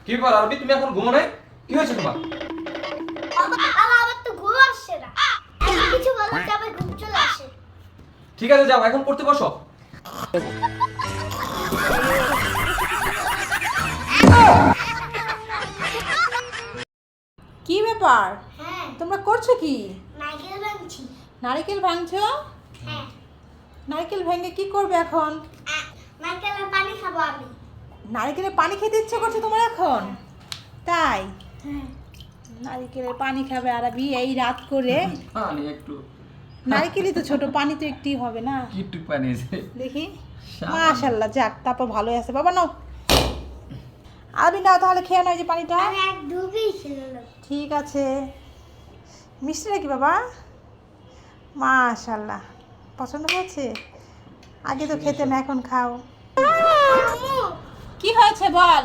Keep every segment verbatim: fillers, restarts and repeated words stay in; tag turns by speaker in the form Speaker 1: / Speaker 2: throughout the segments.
Speaker 1: কি ব্যাপার আরবি, তুমি এখন ঘুমো নাই? কি হয়েছে তোমার?
Speaker 2: বাবা আমার তো ঘুম আসছে না। এত কিছু বলতে আমার ঘুম চলে আসে।
Speaker 1: ঠিক আছে যাও, এখন পড়তে বসো।
Speaker 3: কি ব্যাপার,
Speaker 2: হ্যাঁ
Speaker 3: তোমরা করছো কি?
Speaker 2: নারকেল ভাঙছি।
Speaker 3: নারকেল ভাঙছো?
Speaker 2: হ্যাঁ
Speaker 3: নারকেল ভেঙে কি করবে এখন?
Speaker 2: আ- নারকেলের পানি খাবো আমি।
Speaker 3: নারকেলের পানি খেতে ইচ্ছে করছে তোমার এখন? তাই
Speaker 2: হ্যাঁ
Speaker 3: নারকেলের পানি খাবে আরবি এই রাত করে?
Speaker 1: পানি একটু,
Speaker 3: নারকেলই তো ছোট, পানি তো একটুই হবে না।
Speaker 1: কি একটু পানি আছে।
Speaker 3: দেখি,
Speaker 1: সাবান।
Speaker 3: মাশাআল্লাহ, যাক তারপর ভালোই আছে। বাবা নাও, আরবি নাও তাহলে, খেয়ে নাও এই যে পানিটা।
Speaker 2: আমি এক ডুবই খেলাম।
Speaker 3: ঠিক আছে, মিষ্টি নাকি বাবা? মাশাআল্লাহ, পছন্দ হয়েছে? আগে তো খেতে না, এখন খাও।
Speaker 2: আম্মু
Speaker 3: কি হয়েছে বল?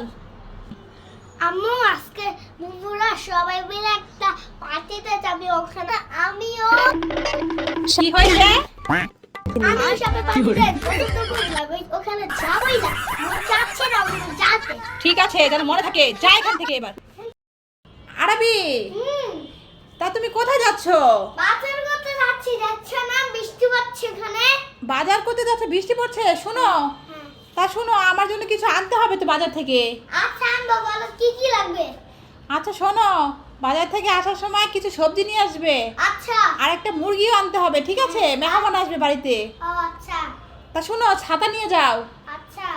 Speaker 2: আম্মু আজকে বুবুরা সবাই মিলে একটা পার্টিতে যাবে, ওখানে আমিও
Speaker 3: কি হয়েছে?
Speaker 2: আমি সবাই পার্টিতে যাবো, ওখানে যাবই না। মন চাচ্ছে না ওখানে যেতে।
Speaker 3: ঠিক আছে, যেন মনে থাকে, যা এখান থেকে এবার। আরবি,
Speaker 2: হুম
Speaker 3: তা তুমি কোথায় যাচ্ছ?
Speaker 2: বাজার করতে যাচ্ছি, যাচ্ছে না? বৃষ্টি পড়ছে এখানে।
Speaker 3: বাজার করতে যাচ্ছ, বৃষ্টি পড়ছে? শোনো,
Speaker 2: হ্যাঁ
Speaker 3: তা শোনো, আমার জন্য কিছু আনতে হবে তো বাজার থেকে।
Speaker 2: আচ্ছা আনবো, বলো কি কি লাগবে?
Speaker 3: আচ্ছা শোনো, বাজার থেকে আসার সময় কিছু সবজি নিয়ে আসবে,
Speaker 2: আচ্ছা
Speaker 3: আর একটা মুরগিও আনতে হবে, ঠিক আছে? মেহমান আসবে বাড়িতে।
Speaker 2: ও আচ্ছা
Speaker 3: তা শোনো, ছাতা নিয়ে যাও।
Speaker 2: আচ্ছা।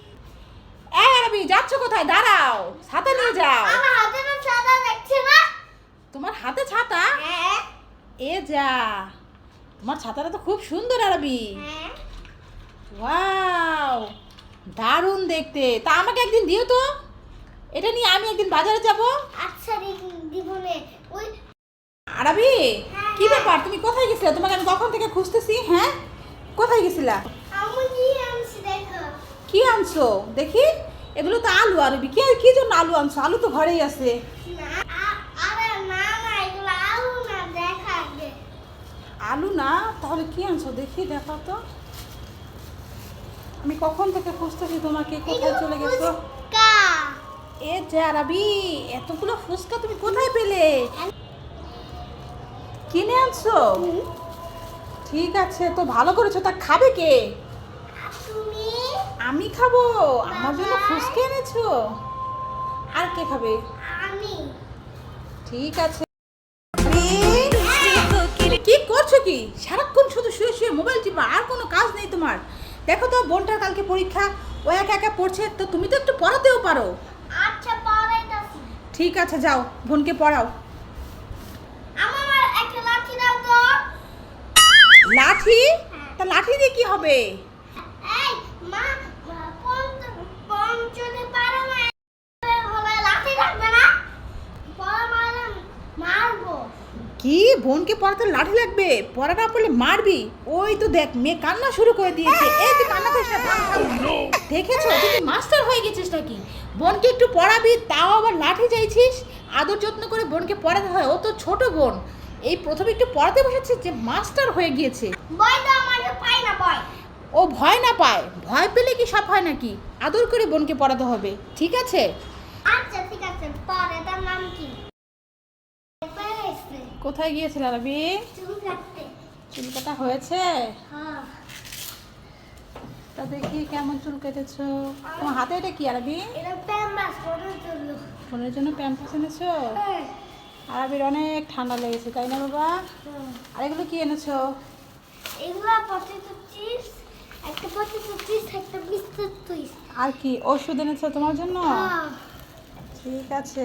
Speaker 3: এই আরবি, যাচ্ছ কোথায়? দাঁড়াও, ছাতা নিয়ে যাও।
Speaker 2: আমার হাতে না সাদা দেখছে না?
Speaker 3: তোমার হাতে ছাতা?
Speaker 2: হ্যাঁ
Speaker 3: এ যা, তোমার ছাতাটা তো খুব সুন্দর আরবি।
Speaker 2: হ্যাঁ
Speaker 3: ওয়াও, দারুণ দেখতে। তা আমাকে একদিন দিও তো, এটা নিয়ে আমি একদিন বাজারে যাব।
Speaker 2: আচ্ছা দিবনে ওই
Speaker 3: আরবি, কি ব্যাপার, তুমি কোথায় গেছিলে? তোমাকে আমি কখন থেকে খুঁজতেছি। হ্যাঁ, কোথায় গেছিলা?
Speaker 2: আমি কি আনছি দেখো।
Speaker 3: কি আনছো দেখি? এগুলো তো আলু। আরবি, কি কি জন্য আলু আনছো? আলু তো ঘরেই আছে।
Speaker 2: না আ- আরে না না এগুলো আলু না, দেখা আগে।
Speaker 3: আলু না, তাহলে কি আনছো দেখি, দেখো তো। আমি কখন থেকে খুঁজতেছি তোমাকে, কোথায় চলে গেছো?
Speaker 2: ফুচকা।
Speaker 3: এ যা আরবি, এতগুলো ফুচকা তুমি কোথায় পেলে? কিনে আনছো?
Speaker 2: হুম।
Speaker 3: ঠিক আছে, তো ভালো করেছো। তা খাবে কে?
Speaker 2: আর তুমি?
Speaker 3: আমি খাবো। আমার জন্য
Speaker 2: বাবা।
Speaker 3: ফুচকা এনেছো? আর কে খাবে?
Speaker 2: আমি।
Speaker 3: ঠিক আছে। কি করছো কি? সারাক্ষণ শুধু শুয়ে শুয়ে মোবাইল টিপা, আর কোনো কাজ নেই তোমার? দেখো তো, বোনটার কালকে পরীক্ষা, ও একা একা পড়ছে, তো তুমি তো একটু পড়াতেও পারো।
Speaker 2: আচ্ছা পড়াইতাছি।
Speaker 3: ঠিক আছে, যাও বোনকে পড়াও।
Speaker 2: আমার একটা লাঠি দাও তো।
Speaker 3: লাঠি? তা লাঠি দিয়ে কি হবে?
Speaker 2: এই মা পঞ্চ পঞ্চতে পারো না, হলে লাঠি রাখবে না, পরে মারলে মারবো।
Speaker 3: কি, বোনকে পড়াতে লাঠি লাগবে? পড়া না পড়লে মারবি? ওই তো দেখ, মেয়ে কান্না শুরু করে দিয়েছে। এই তুই কান্না করিস না, থাম, থাম। দেখেছো, তুই মাস্টার হয়ে গেছিস নাকি? বোনকে একটু পড়াবি, তাও আবার লাঠি চাইছিস? আদর যত্ন করে বোনকে পড়াতে হয়, ও তো ছোট বোন। এই প্রথমে একটু পড়াতে বসেছিস যে মাস্টার হয়ে গিয়েছে।
Speaker 2: বই তো আমাকে পাই না বই।
Speaker 3: ও ভয় না পায়? ভয় পেলে কি সব হয় নাকি? আদর করে বোনকে পড়াতে হবে, ঠিক আছে?
Speaker 2: আচ্ছা ঠিক আছে, পরে তার নাম কি? পাইছে
Speaker 3: কোথায় গিয়েছিল রবি?
Speaker 2: চুল কাটতে।
Speaker 3: চুল কাটা হয়েছে?
Speaker 2: হ্যাঁ
Speaker 3: তা দেখি কেমন চুল কেটেছো। তোমার হাতে এটা কি আরবি?
Speaker 2: এটা প্যাম্পাস পরে চলো।
Speaker 3: বোনের জন্য প্যাম্পাস এনেছো? আরবির অনেক ঠান্ডা লেগেছে, তাই না বাবা? আর এগুলো কি এনেছো?
Speaker 2: এগুলা পটেটো চিপস, একটা পটেটো চিপস, একটা বিস্কুট টুইস্ট।
Speaker 3: আর কি ওষুধ এনেছো তোমার জন্য? ঠিক আছে,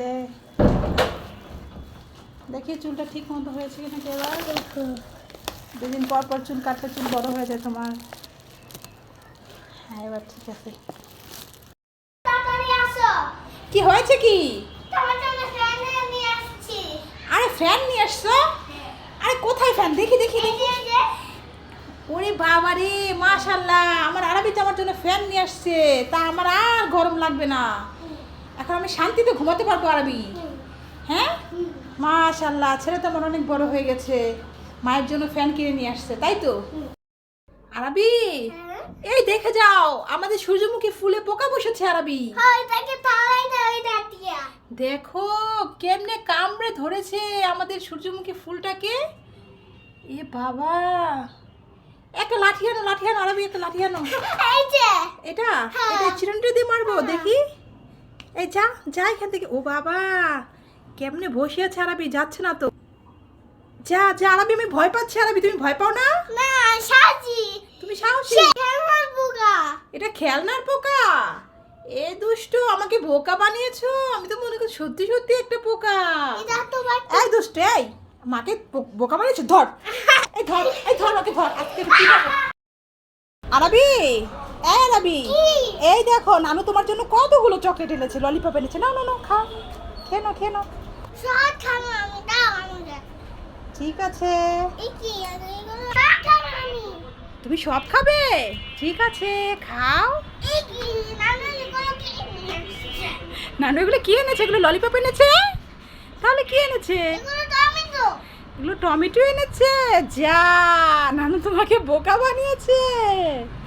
Speaker 3: দেখি চুলটা ঠিক মতো হয়েছে কিনা কি এবার। দুদিন পর পর চুল কাটলে চুল বড় হয়ে যায় তোমার। হ্যাঁ, এবার ঠিক আছে।
Speaker 2: তাড়াতাড়ি আসো,
Speaker 3: কি হয়েছে কি?
Speaker 2: তোমার জন্য ফ্যান নিয়ে আসছি।
Speaker 3: আরে ফ্যান নিয়ে আসছো? আরে কোথায় ফ্যান? দেখি দেখি
Speaker 2: এই
Speaker 3: দেখি।
Speaker 2: যে, এই যে।
Speaker 3: ওরে বাবা রে, মাশাআল্লাহ, আমার আরবি তো আমার জন্য ফ্যান নিয়ে আসছে। তা আমার আর গরম লাগবে না, এখন আমি শান্তিতে ঘুমাতে পারবো আরবি।
Speaker 2: হুম,
Speaker 3: হ্যাঁ,
Speaker 2: হুম,
Speaker 3: মাশাআল্লাহ, ছেলে তো আমার অনেক বড় হয়ে গেছে, মায়ের জন্য ফ্যান কিনে নিয়ে আসছে, তাই তো?
Speaker 2: হুম।
Speaker 3: আরবি,
Speaker 2: হ্যাঁ?
Speaker 3: এই দেখে যাও, আমাদের সূর্যমুখী ফুলে পোকা বসেছে আরবি।
Speaker 2: হয় তাকে তাড়াই দাও, এটা দিয়ে।
Speaker 3: দেখো কেমনে কামড়ে ধরেছে আমাদের সূর্যমুখী ফুলটাকে। এ বাবা, একটা লাঠি আনো, লাঠি আনো আরবি, একটা লাঠি আনো।
Speaker 2: এই যে
Speaker 3: এটা
Speaker 2: হ্যাঁ।
Speaker 3: এটা চিরুনিটা দিয়ে মারবো দেখি। এই যা যা এখান থেকে। ও বাবা, কেমনে বসে আছে আরবি, যাচ্ছে না তো। যা যা আরবি, আমি ভয় পাচ্ছি। আরবি তুমি ভয় পাও না?
Speaker 2: না সাজি
Speaker 3: তুমি সাহসী।
Speaker 2: সে খেলনার পোকা।
Speaker 3: এটা খেলনার পোকা? এ দুষ্টু, আমাকে বোকা বানিয়েছো। আমি তো মনে করি সত্যি সত্যি একটা পোকা।
Speaker 2: এটা তোমার
Speaker 3: এই দুষ্টু, এই মাকে বো- বোকা বানিয়েছো। ধর, এই ধর, এই ধর ওকে ধর। আজকে কি করবো? আরবি, এই আরবি,
Speaker 2: কি?
Speaker 3: এই দেখো নানু তোমার জন্য কতগুলো চকলেট এনেছে, ললিপপ এনেছে। নাও নাও নাও, খাও, খেয়ে নাও খেয়ে নাও।
Speaker 2: সব খাবো আমি, দাও আমাকে।
Speaker 3: ঠিক আছে,
Speaker 2: এই কি আর এগুলো সব খাবো আমি।
Speaker 3: তুমি সব খাবে? ঠিক আছে, খাও।
Speaker 2: এই কি নানু এগুলো কি এনেছে?
Speaker 3: নানু এগুলো কি এনেছে? এগুলো ললিপপ এনেছে? তাহলে কি এনেছে?
Speaker 2: এগুলো টমেটো।
Speaker 3: এগুলো টমেটো এনেছে। যা, নানু তোমাকে বোকা বানিয়েছে।